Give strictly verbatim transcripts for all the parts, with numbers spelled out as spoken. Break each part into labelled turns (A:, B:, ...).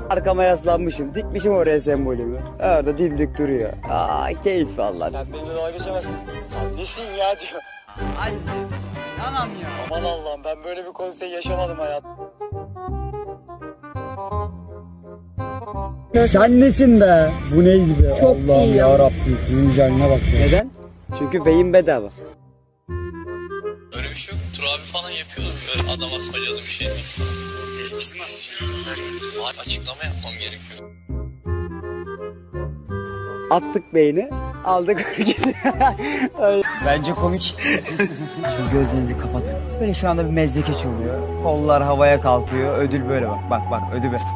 A: Arkama yaslanmışım. Dikmişim oraya sembolümü. Orada dimdik duruyor. Aa keyif valla.
B: Sen benimle dalga geçemezsin. Sen nesin ya diyor.
A: Ay tamam ya.
B: Aman Allah'ım, ben böyle bir konsey yaşamadım hayatım.
A: Sen nesin be? Bu neydi be?
C: Çok
A: Allah'ım
C: iyi ya.
A: yarabbim şunun güzelliğine bak ya. Neden? Çünkü beyin bedava.
D: Öyle bir şey yok. Tur abi falan yapıyordu. Böyle adam asmacalı bir şey değil. Biz bizim asacağız. Var, açıklama yapmam gerekiyor.
A: Attık beyni, aldık hareketi. Bence komik. Şimdi gözlerinizi kapatın. Böyle şu anda bir mezdeke çalıyor. Kollar havaya kalkıyor. Ödül böyle bak. Bak bak ödül böyle.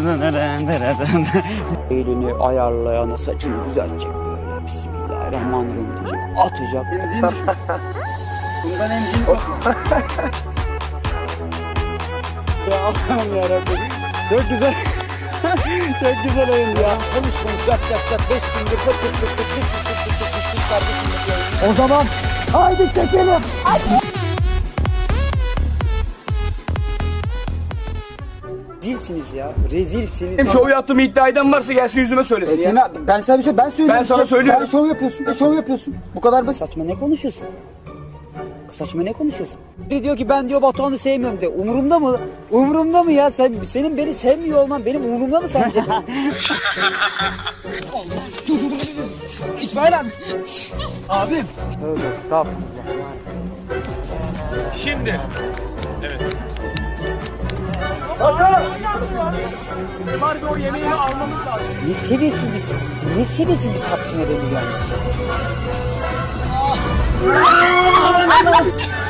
A: Elini ayarlayana saçını düzeltecek böyle. Bismillahirrahmanirrahim diyecek. Atacak. Benzin düşmüş. Bundan emzin yok. Ya Allah'ım yarabbim. Çok güzel. Çok güzel oyun ya. Konuş konuş yap yap yap. Beş gündür pıt pıt pıt pıt pıt pıt pıt pıt pıt pıt kardeşim. O zaman haydi çekelim. Haydi. Rezilsiniz ya. Rezilsiniz.
E: Benim şov yaptığımı iddia eden varsa gelsin yüzüme söylesin ya.
A: Sana, ben sana bir şey ben söylüyorum.
E: Ben sana söylüyorum.
A: Sen şov yapıyorsun. Sen şov yapıyorsun. Bu kadar basit. Saçma ne konuşuyorsun? Saçma ne konuşuyorsun? Biri diyor ki ben diyor Batuhan'ı sevmiyorum diyor. Umurumda mı? Umurumda mı ya? Sen senin beni sevmiyor olman benim umurumda mı sence? Allah. Dur dur dur dur. İsmail abi. Abim. Tövbe estağfurullah.
D: Şimdi. Evet.
E: Bizim harbi o yemeğini almamız lazım.
A: Ne seviyesiz bir, ne seviyesiz bir tartışma dönüyor yani.